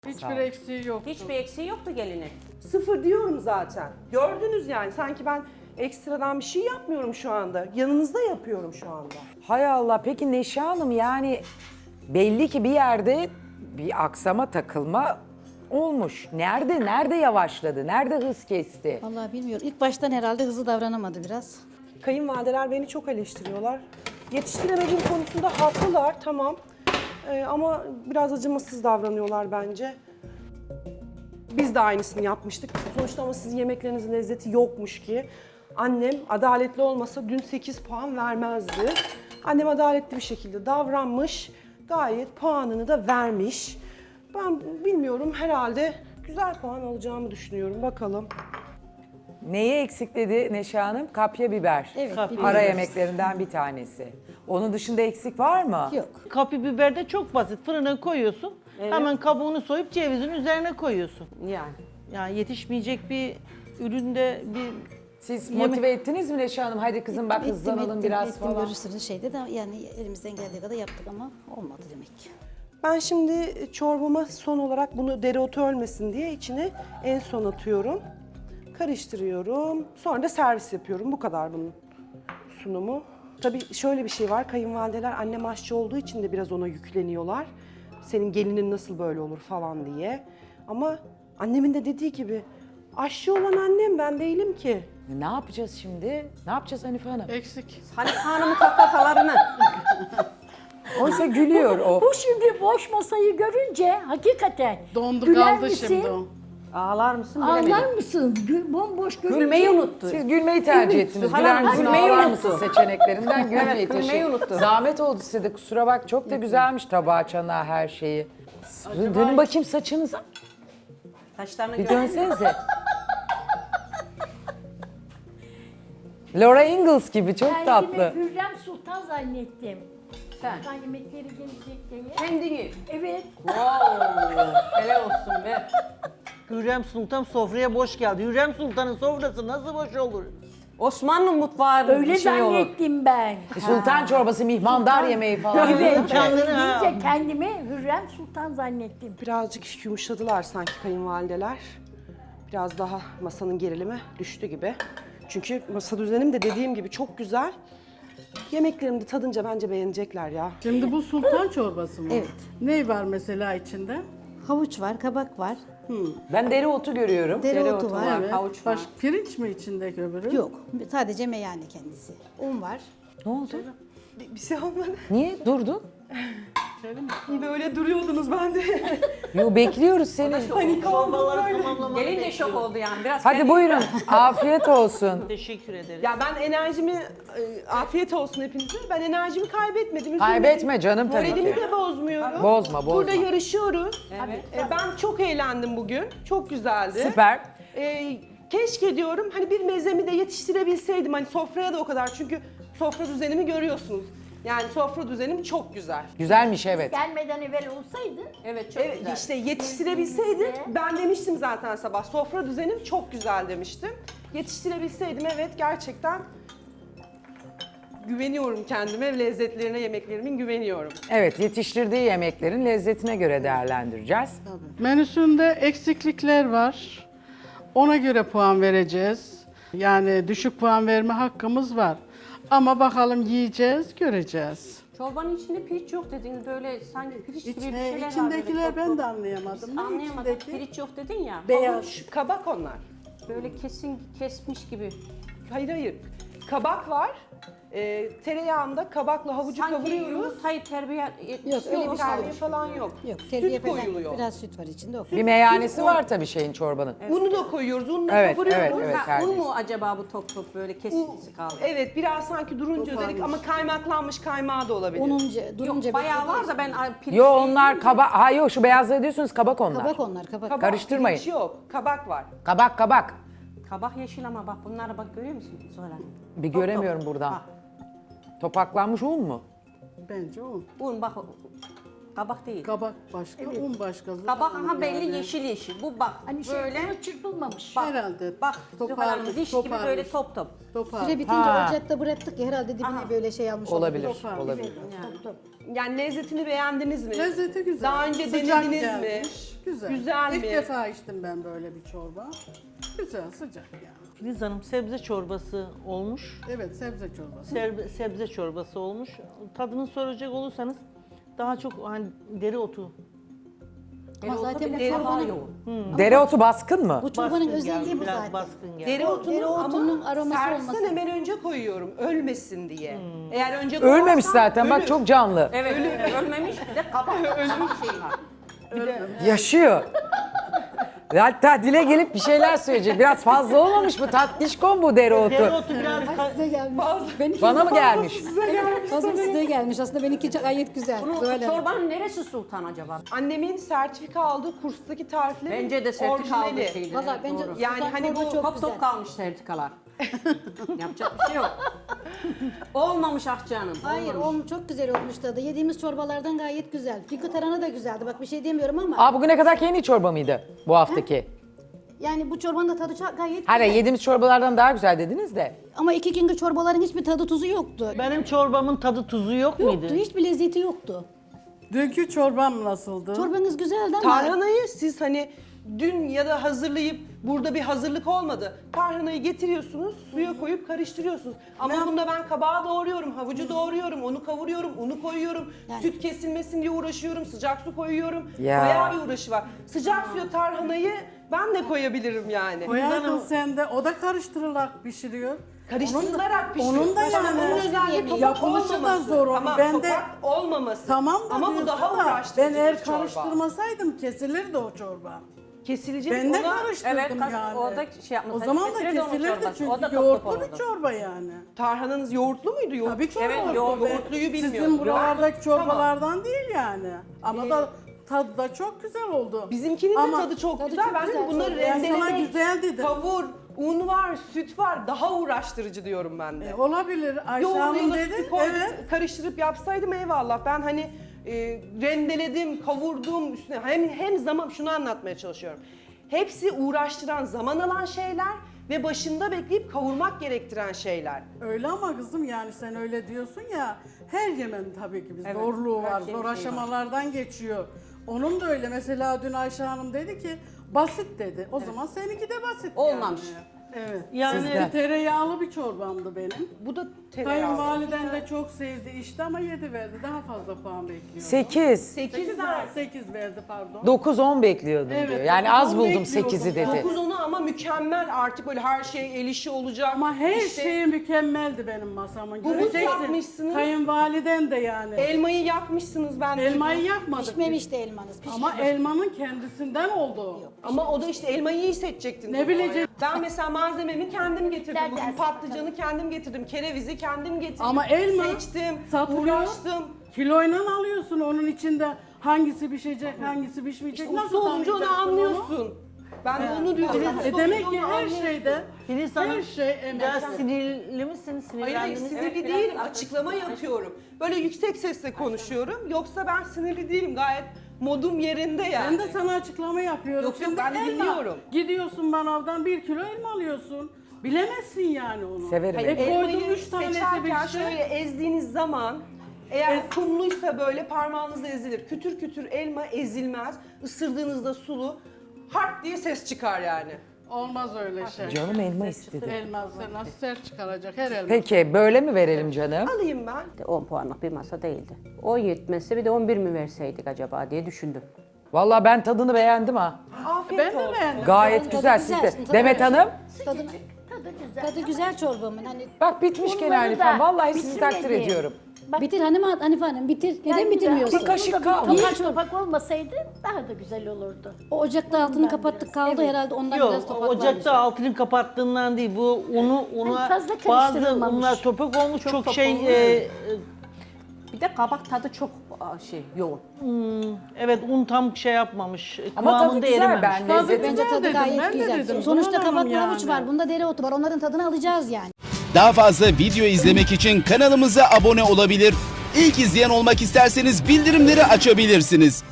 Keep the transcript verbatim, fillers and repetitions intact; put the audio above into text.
Hiçbir eksiği yok. Hiçbir eksiği yoktu gelinin. Sıfır diyorum zaten. Gördünüz yani sanki ben ekstradan bir şey yapmıyorum şu anda. Yanınızda yapıyorum şu anda. Hay Allah, peki Neşe Hanım, yani belli ki bir yerde bir aksama, takılma olmuş. Nerede, nerede yavaşladı, nerede hız kesti? Vallahi bilmiyorum. İlk baştan herhalde hızlı davranamadı biraz. Kayınvalideler beni çok eleştiriyorlar. Yetiştiremediğim konusunda haklılar, tamam. Ee, ama biraz acımasız davranıyorlar bence. Biz de aynısını yapmıştık. Sonuçta ama sizin yemeklerinizin lezzeti yokmuş ki. Annem adaletli olmasa dün sekiz puan vermezdi. Annem adaletli bir şekilde davranmış. Gayet puanını da vermiş. Ben bilmiyorum, herhalde güzel puan alacağımı düşünüyorum. Bakalım. Neyi eksik dedi Neşe Hanım? Kapya biber. Evet, Ara biber. yemeklerinden bir tanesi. Onun dışında eksik var mı? Yok. Kapya biber de çok basit. Fırına koyuyorsun. Hemen kabuğunu soyup cevizin üzerine koyuyorsun. Yani. Yani yetişmeyecek bir üründe bir Siz Yemek- motive ettiniz mi Neşe Hanım? Hadi kızım bak Ettim, hızlanalım ettim, biraz ettim, falan. görürsünüz şeyde de yani elimizden geldiği kadar yaptık ama olmadı demek ki. Ben şimdi çorbama son olarak bunu dereotu ölmesin diye içine en son atıyorum. Karıştırıyorum. Sonra da servis yapıyorum. Bu kadar bunun sunumu. Tabii şöyle bir şey var. Kayınvalideler annem aşçı olduğu için de biraz ona yükleniyorlar. Senin gelinin nasıl böyle olur falan diye. Ama annemin de dediği gibi aşçı olan annem, ben değilim ki. Ne yapacağız şimdi? Ne yapacağız Hanife Hanım? Eksik. Hanife Hanım'ın kahkahalarını. Oysa gülüyor o. Bu şimdi boş masayı görünce hakikaten Dondu güler kaldı misin? şimdi o. Ağlar mısın bilemedim. Ağlar mısın? Gü- bomboş görünce. Gülmeyi unuttu. Siz gülmeyi tercih ettiniz. Hala Güler misin, gülmeyi ağlar unuttu. mısın seçeneklerinden gülmeyi. Evet, gülmeyi Teşekkür- unuttu. Zahmet oldu size de, kusura bak. Çok da güzelmiş tabağı, çanağı, her şeyi. Dönün bakayım saçınıza. Saçlarını Bir gör. dönsenize. Laura Ingalls gibi, çok Kendimi tatlı. Hürrem Sultan zannettim. Sen. Sultan yemekleri gelecek diye. Kendini. Evet. Helal olsun be. Hürrem Sultan sofraya boş geldi. Hürrem Sultan'ın sofrası nasıl boş olur? Osmanlı mutfağı Öyle bir şey olur. zannettim ben. Sultan çorbası, mihmandar yemeği falan. Evet. Kendini ha. Deyince kendimi Hürrem Sultan zannettim. Birazcık yumuşadılar sanki kayınvalideler. Biraz daha masanın gerilimi düştü gibi. Çünkü masa düzenim de dediğim gibi çok güzel. Yemeklerimi de tadınca bence beğenecekler ya. Şimdi bu sultan çorbası mı? Evet. Ne var mesela içinde? Havuç var, kabak var, Ben dereotu görüyorum. dereotu var. var. Havuç var. Baş, pirinç mi içindeki öbürü? Yok, sadece meyhane kendisi. Un var. Ne oldu? Bir, bir şey olmadı. Niye durdun? Böyle duruyordunuz, ben de. Yo, bekliyoruz seni. Çorbaları tamamlamak Gelin de bekliyor. şok oldu yani. Biraz Hadi kendi- buyurun. Afiyet olsun. Teşekkür ederim. Ya ben enerjimi, e, afiyet olsun hepinize. Ben enerjimi kaybetmedim. üzülmedim. Kaybetme canım, tabii Moralimi ki. de bozmuyorum. Bozma, bozma. Burada yarışıyoruz. Evet. E, ben çok eğlendim bugün. Çok güzeldi. Süper. E, keşke diyorum hani bir mezemi de yetiştirebilseydim. Hani sofraya da o kadar. Çünkü sofra düzenimi görüyorsunuz. Yani sofra düzenim çok güzel. Güzelmiş, evet. Gelmeden evvel olsaydı Evet çok Evet güzel. işte yetiştirebilseydim, ben demiştim zaten sabah, sofra düzenim çok güzel demiştim. Yetiştirebilseydim, evet, gerçekten güveniyorum kendime, lezzetlerine, yemeklerimin güveniyorum. Evet, yetiştirdiği yemeklerin lezzetine göre değerlendireceğiz. Menüsünde eksiklikler var. Ona göre puan vereceğiz. Yani düşük puan verme hakkımız var. Ama bakalım yiyeceğiz, göreceğiz. Çorbanın içinde pirinç yok dediniz, böyle sanki pirinç gibi bir İçine, şeyler var. içindekiler böyle ben çok- de anlayamadım. Ne Anlayamadım. içindeki? Pirinç yok dedin ya. Beyaz. Havuç, kabak onlar. Böyle kesin kesmiş gibi. Hayır hayır, kabak var. Ee, tereyağında kabakla havucu Sanki kavuruyoruz. yumurtayı terbiye etmiş. Yok, öyle bir şey Terbiye yok. falan yok. Yok, terbiye Süt falan. koyuluyor. Biraz süt var içinde. O. Bir meyhanesi var tabii şeyin, çorbanın. Unu da koyuyoruz, unla Evet, kavuruyoruz. evet, evet. Ha, un terbiyesiz. mu acaba bu top top böyle kesintisi kaldı? Evet, biraz sanki durunca özellik ama kaymaklanmış kaymağı da olabilir. Ununca, durunca Yok bayağı beklediği var da ben ay, pirinç Yo, değil onlar deyince- kabak. Ha yok, şu beyazları diyorsunuz, kabak onlar. Kabak onlar, kabak. Kabak, Karıştırmayın. pirinç yok, kabak var. Kabak kabak. Kabak yeşil ama bak bunlara bak, görüyor musun sonra? Bir göremiyorum buradan. Bak, Topaklanmış un mu? Bence o. un bak Kabak değil. Kabak başka, un başka. Kabak aha Yani. belli yeşil yeşil. Bu bak Hani şey böyle. böyle çırpılmamış. Bak, Herhalde. Bak Zuhal Hanım Toparmış, diş gibi toparmış. böyle top top. Topar. Süre bitince Ha. ocakta bıraktık ya herhalde dibine böyle şey almış Olabilir, Topar. olabilir. Top top. Yani lezzetini beğendiniz mi? Lezzeti güzel. Daha önce Sıcak denediniz gelmiş. mi? Güzel. Güzel İlk mi? defa içtim ben böyle bir çorba. Güzel, sıcak yani. Filiz Hanım sebze çorbası olmuş. Evet, sebze çorbası. Serbe- sebze çorbası olmuş. Tadını soracak olursanız daha çok hani dereotu. Ama zaten bu Deri daha çorbanın, yoğun. Dereotu baskın mı? bu çorbanın Baskın özelliği geldi, bu biraz zaten. baskın geldi. Dereotunun, Dereotunun ama aroması servisten olması. hemen önce koyuyorum. Ölmesin diye. Eğer önce Ölmemiş koyarsam zaten bak ölür. çok canlı. Evet, ölmemiş bir de kabak. kabak şey var. Yaşıyor. Hatta dile gelip bir şeyler söyleyecek. Biraz fazla olmamış mı? Tatlışkon bu dereotu. Dereotu biraz ka- Size gelmiş. Benimki Bana mı gelmiş? Fazla size gelmiş. Aslında benimki gayet güzel. Bu Böyle. çorbanın neresi sultan acaba? Annemin sertifika aldığı kurstaki tarifleri Bence de sertifika aldığı orijinali. şeydi. Valla evet, bence doğru. Yani sultan hani çorba bu çok Top güzel. top kalmış sertifikalar. Yapacak bir şey yok. Olmamış ah canım. Hayır, olmamış. o çok güzel olmuş tadı. Yediğimiz çorbalardan gayet güzel. Fikri taranı da güzeldi. Bak bir şey demiyorum ama. Aa bugüne kadar yeni çorba mıydı bu haftaki? Yani bu çorbanın da tadı çok gayet Hayır güzel. yediğimiz çorbalardan daha güzel dediniz de. Ama iki günkü çorbaların hiçbir tadı tuzu yoktu. benim çorbamın tadı tuzu yok Yoktu, muydu? hiçbir lezzeti yoktu. Dünkü çorbam nasıldı? Çorbanız güzeldi ama Tarhanayı siz hani dün ya da hazırlayıp burada bir hazırlık olmadı. Tarhanayı getiriyorsunuz, suya koyup karıştırıyorsunuz. Ama Ne- bunda ben kabağı doğruyorum, havucu doğruyorum, onu kavuruyorum, unu koyuyorum. Yani- Süt kesilmesin diye uğraşıyorum, sıcak su koyuyorum. Ya. Bayağı bir uğraşı var. Sıcak suya tarhanayı ben de koyabilirim yani. Koyardın sen de. O da karıştırılarak pişiriyor. Karıştırılarak pişiyor. Onun da Mesela yani bunun özelliği topak yapılışı da olmaması. zor onun. Tamam, Ben de- topak olmaması. Tamam da Ama bu diyorsun daha da, uğraştırıcı ben eğer bir çorba. karıştırmasaydım kesilirdi o çorba. Kesilecek Ben de ona karıştırdım Evet, kas- yani. orada şey yapması- O zaman da kesilirdi onun kesilirdi çorbası. çünkü O da top yoğurtlu top bir olurdu. çorba yani. tarhananız yoğurtlu muydu? Yoğurt. Tabii ki Evet, yoğurtlu. yoğurtlu. Ben- Yoğurtluyu bilmiyorum. Sizin buralardaki Yoğurt- çorbalardan değil yani. Ama da tadı da çok güzel oldu. Bizimkinin Ama de tadı çok tadı güzel. çok Ben güzel, de bunları çok- Ben sana rendelemek, güzel dedim. kavur, un var, süt var. Daha uğraştırıcı diyorum ben de. E, olabilir. Ayşe Yoğurdu Hanım ya da dedi. sütü koy- Evet. karıştırıp yapsaydım eyvallah. Ben hani e, rendeledim, kavurdum üstüne. Hem, hem zaman şunu anlatmaya çalışıyorum. Hepsi uğraştıran, zaman alan şeyler ve başında bekleyip kavurmak gerektiren şeyler. Öyle ama kızım yani sen öyle diyorsun ya. Her yemenin tabii ki bir Evet, zorluğu her var. şeyin Zor şeyi aşamalardan geçiyor. Onun da öyle. Mesela dün Ayşe Hanım dedi ki basit dedi. O zaman seninki de basit Olmamış. yani. Evet. Yani- Sizde tereyağlı bir çorbamdı benim. Bu da tereyağı. Kayınvaliden de çok sevdi işte ama yedi verdi. Daha fazla puan bekliyordu. sekiz. sekiz sekiz, ver. sekiz verdi pardon. dokuz on bekliyordum Evet, diyor. Yani dokuz az on buldum bekliyordum. sekizi dedi. dokuz onu ama mükemmel artık böyle her şey el işi olacak. Ama her İşte şey mükemmeldi benim masamın. Humus Göreceksin. yapmışsınız. Kayınvaliden de yani. elmayı yakmışsınız ben Elmayı duydum. yakmadık. pişmemişti elmanız. Pişmemiş. Ama elmanın kendisinden oldu. Ama o da işte elmayı iyi seçecektin. Ne bilecek- Ben mesela malzememi kendim getirdim. Nereden Bugün sen patlıcanı kendim getirdim. Kerevizi kendim getirdim. Ama elma seçtim, satılıyor. uğraştım. Kiloyla alıyorsun onun içinde hangisi pişecek, hangisi pişmeyecek. Uslu olunca onu tanıyacaksın anlıyorsun. Ben de onu diyorum. E Uslu demek olunca ki onu her anlıyorsun. şeyde Filiz Hanım her şey emek. biraz sinirli misiniz? Hayır hayır Sinirlendiniz mi? sinirli Evet, biraz değilim. daha- Açıklama yapıyorum. Böyle yüksek sesle konuşuyorum. Yoksa ben sinirli değilim. Gayet modum yerinde yani. Ben de sana açıklama yapıyorum. Yok, yok, Şimdi ben de elma. dinliyorum. Gidiyorsun manavdan bir kilo elma alıyorsun. Bilemezsin yani onu. Severim. Hayır, E koydum elmayı üç tanesi seçerken bir şey. şöyle ezdiğiniz zaman eğer kumluysa böyle parmağınızla ezilir. Kütür kütür elma ezilmez. Isırdığınızda sulu harp diye ses çıkar yani. Olmaz öyle şey. Canım elma istedi. Elma sen nasıl sert çıkaracak her elma. Peki böyle mi verelim canım? Alayım ben. on puanlık bir masa değildi. on yetmezse bir de on bir mi verseydik acaba diye düşündüm. Vallahi ben tadını beğendim ha. Afiyet Ben de olsun. beğendim. Gayet Tadı güzel güzel, sizde. tadı Demet güzel. Hanım Tadı, Tadı güzel. tadı güzel çorbamın. Hani bak bitmişken Bunları Hanife da vallahi sizi takdir bitirmedim. ediyorum. Bak, bitir Hanım Hanife Hanım bitir. Neden yani bitirmiyorsun? Bir kaşık burada kalmış. Bir topak topak olmasaydı daha da güzel olurdu. O ocakta altını Ondan kapattık biraz, kaldı evet. herhalde ondan biraz Yok, topak varmış. ocakta altını kapattığından değil. Bu unu, una Hani fazla bazı karıştırılmamış. unlar topak olmuş, çok, top şey, olmuş. e, Bir de kabak tadı çok aa, şey yoğun. evet un tam şey yapmamış, Ama tadı kıvamında güzel erimemiş. ben lezzeti. Bence tadı dedim, gayet ben de güzel. dedim. Sonuçta Zuhal Hanım kabaklı havuç yani. var. Bunda dereotu var. Onların tadını alacağız yani. Daha fazla video izlemek için kanalımıza abone olabilir. İlk izleyen olmak isterseniz bildirimleri açabilirsiniz.